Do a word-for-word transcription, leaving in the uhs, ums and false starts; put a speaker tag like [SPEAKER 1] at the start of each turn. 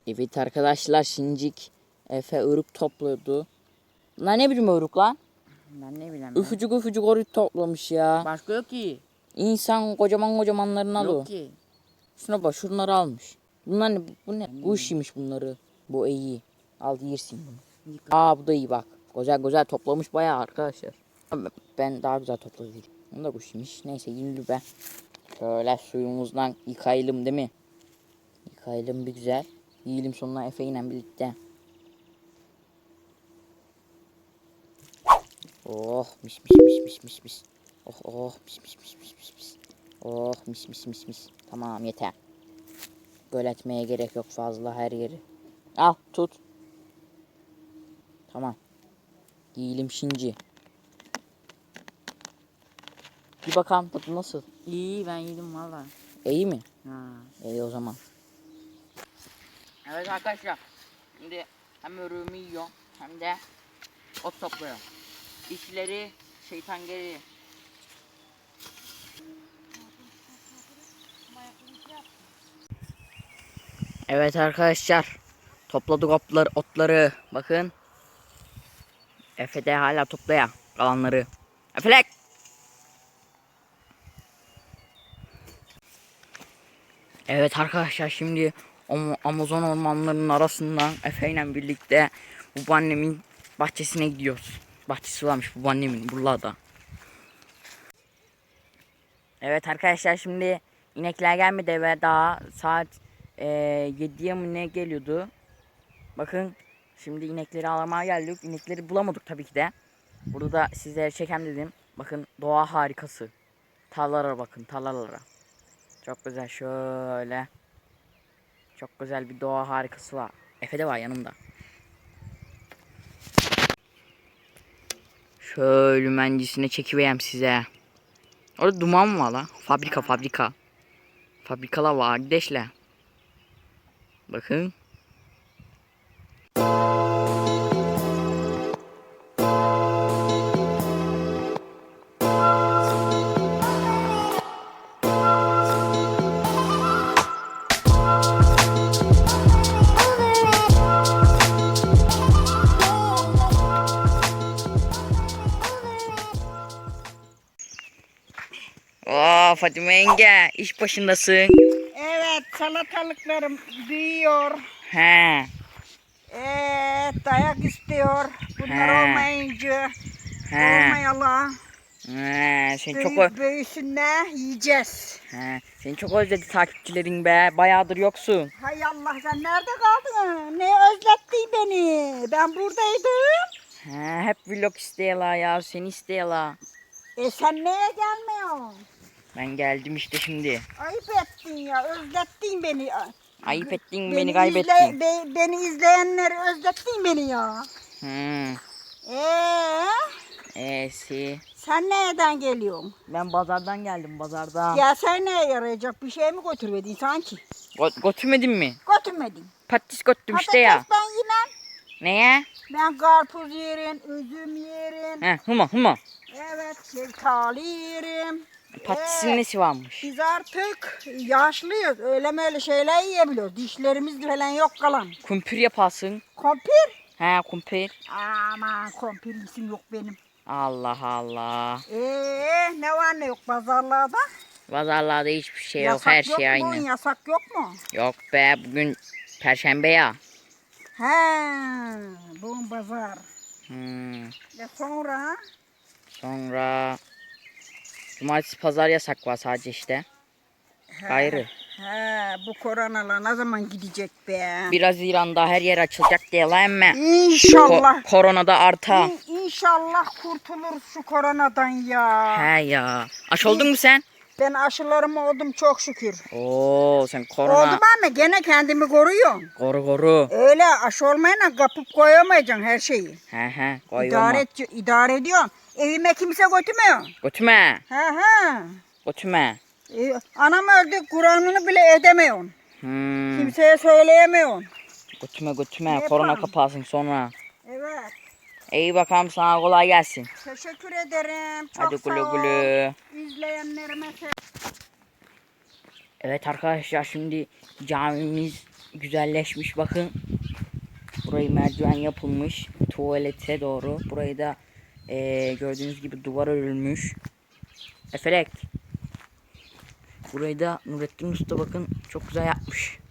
[SPEAKER 1] Evet arkadaşlar, Şincik Efe ırık topladı. Lan ne biçim ırık lan?
[SPEAKER 2] Ben ne bileyim.
[SPEAKER 1] Üfücük üfücük ırık toplamış ya.
[SPEAKER 2] Başka yok ki.
[SPEAKER 1] İnsan kocaman kocamanlarını alıyor.
[SPEAKER 2] Yok ki.
[SPEAKER 1] Şuna bak, şunları almış. Bunlar ne? Bu ne? Kuş yemiş bunları. Bu iyi. Al yersin bunu. Aa, bu da iyi bak. Güzel güzel toplamış bayağı arkadaşlar. Ben daha güzel topladım. Bunu da kuş yemiş. Neyse, yürü be. Şöyle suyumuzdan yıkayalım değil mi? Yıkayalım bir güzel. Yiyelim sonuna Efe ile birlikte. Oh mis mis mis mis mis mis. Oh oh mis mis mis mis mis mis. Oh mis mis mis mis. Tamam, yeter. Böyle etmeye gerek yok fazla her yeri. Al tut. Tamam. Yiyelim şimdi. Bir bakalım tadı nasıl?
[SPEAKER 2] İyi, ben yedim valla.
[SPEAKER 1] İyi mi?
[SPEAKER 2] Ha.
[SPEAKER 1] İyi o zaman.
[SPEAKER 2] Evet arkadaşlar. Şimdi hem örüğümü yiyor hem de ot topluyor. İşleri şeytan geri.
[SPEAKER 1] Evet arkadaşlar. Topladık otları, otları. Bakın. Efe de hala toplaya kalanları. Efelek. Evet arkadaşlar, şimdi Amazon ormanlarının arasından Efe ile birlikte babaannemin bahçesine gidiyoruz. Bahçesi varmış babaannemin buralarda. Evet arkadaşlar, şimdi inekler gelmedi eve, daha saat e, yediye mi ne geliyordu. Bakın, şimdi inekleri alamaya geldik. İnekleri bulamadık tabii ki de. Burada da sizlere çekem dedim. Bakın, doğa harikası. Tarlalara bakın, tarlalara. Çok güzel, şöyle. Çok güzel bir doğa harikası var. Efe de var yanımda. Şöyle mencisine çekiveyim size. Orada duman var la. Fabrika fabrika. Fabrikalar var kardeşler. Bakın. Oo, Fatime yenge, iş başındasın.
[SPEAKER 3] Evet, salatalıklarım büyüyor.
[SPEAKER 1] He.
[SPEAKER 3] Evet, dayak istiyor. Bunlar
[SPEAKER 1] He.
[SPEAKER 3] olmayınca
[SPEAKER 1] He.
[SPEAKER 3] olmayalı.
[SPEAKER 1] He. Sen çok
[SPEAKER 3] Büyük büyüsünler yiyeceğiz.
[SPEAKER 1] He. Seni çok özledi takipçilerin be. Bayağıdır yoksun.
[SPEAKER 3] Hay Allah, sen nerede kaldın? Ne özlettin beni? Ben buradaydım.
[SPEAKER 1] He. Hep vlog istiyorlar ya. Seni istiyorlar.
[SPEAKER 3] E sen neye gelmiyorsun?
[SPEAKER 1] Ben geldim işte şimdi.
[SPEAKER 3] Ayıp ettin ya, özlettin beni.
[SPEAKER 1] Ayıp ettin, beni,
[SPEAKER 3] Beni,
[SPEAKER 1] kaybettin.
[SPEAKER 3] izle, be- beni izleyenleri özlettin beni ya.
[SPEAKER 1] Hmm.
[SPEAKER 3] Eee?
[SPEAKER 1] E'si.
[SPEAKER 3] Sen nereden geliyorsun?
[SPEAKER 1] Ben pazardan geldim, pazardan.
[SPEAKER 3] Gelsen neye yarayacak? Bir şey mi götürmedin sanki?
[SPEAKER 1] Go- götürmedin mi?
[SPEAKER 3] Götürmedin.
[SPEAKER 1] Patates götürdüm işte ya.
[SPEAKER 3] Patates ben yemem.
[SPEAKER 1] Neye?
[SPEAKER 3] Ben karpuz yerim, üzüm yerim.
[SPEAKER 1] He, huma huma.
[SPEAKER 3] Evet, şeftali yerim.
[SPEAKER 1] Patatesin
[SPEAKER 3] Ee,
[SPEAKER 1] nesi varmış?
[SPEAKER 3] Biz artık yaşlıyız. Öyle böyle şeyler yiyebiliyoruz. Dişlerimiz falan yok kalan.
[SPEAKER 1] Kumpir yaparsın.
[SPEAKER 3] Kompir?
[SPEAKER 1] He, kumpir.
[SPEAKER 3] Aman kompir isim yok benim.
[SPEAKER 1] Allah Allah.
[SPEAKER 3] Ee, ne var ne yok pazarlarda?
[SPEAKER 1] Pazarlarda hiçbir şey yok,
[SPEAKER 3] Yasak
[SPEAKER 1] her
[SPEAKER 3] yok
[SPEAKER 1] şey
[SPEAKER 3] mu?
[SPEAKER 1] aynı.
[SPEAKER 3] Yasak yok mu?
[SPEAKER 1] Yok be, bugün Perşembe ya.
[SPEAKER 3] He, bugün pazar.
[SPEAKER 1] Hmm.
[SPEAKER 3] Ve sonra?
[SPEAKER 1] Sonra cumartesi pazar yasak var sadece işte. Gayrı.
[SPEAKER 3] He, bu koronalar ne zaman gidecek be?
[SPEAKER 1] Biraz İran'da her yer açılacak diyorlar ama
[SPEAKER 3] İnşallah.
[SPEAKER 1] ko- koronada arta.
[SPEAKER 3] İn- İnşallah kurtulur şu koronadan ya.
[SPEAKER 1] He ya. Aş oldun mu sen?
[SPEAKER 3] Ben aşılarım oldum çok şükür.
[SPEAKER 1] Oo, sen korona.
[SPEAKER 3] Oldum ama gene kendimi koruyorum.
[SPEAKER 1] Koru koru.
[SPEAKER 3] Öyle aşı olmayana kapıp koyamayacaksın her şeyi.
[SPEAKER 1] He he, koy
[SPEAKER 3] İdare,
[SPEAKER 1] olma.
[SPEAKER 3] et, idare ediyorsun. Evime kimse götürmüyor.
[SPEAKER 1] Götüme.
[SPEAKER 3] He he.
[SPEAKER 1] Götüme.
[SPEAKER 3] E, anam öldü, Kur'an'ını bile edemiyorsun.
[SPEAKER 1] Hmm.
[SPEAKER 3] Kimseye söyleyemiyorsun.
[SPEAKER 1] Götüme götüme.
[SPEAKER 3] Ne
[SPEAKER 1] Korona
[SPEAKER 3] yapalım?
[SPEAKER 1] kapansın sonra.
[SPEAKER 3] Evet.
[SPEAKER 1] İyi bakalım, sana kolay gelsin.
[SPEAKER 3] Teşekkür ederim. Çok
[SPEAKER 1] Hadi
[SPEAKER 3] sağ
[SPEAKER 1] güle
[SPEAKER 3] ol.
[SPEAKER 1] güle.
[SPEAKER 3] İzleyenlerime se-
[SPEAKER 1] Evet arkadaşlar, şimdi camimiz güzelleşmiş bakın. Burayı merdiven yapılmış tuvalete doğru. Burayı da eee, gördüğünüz gibi duvar örülmüş. Efelek. Burayı da Nurettin Usta bakın çok güzel yapmış.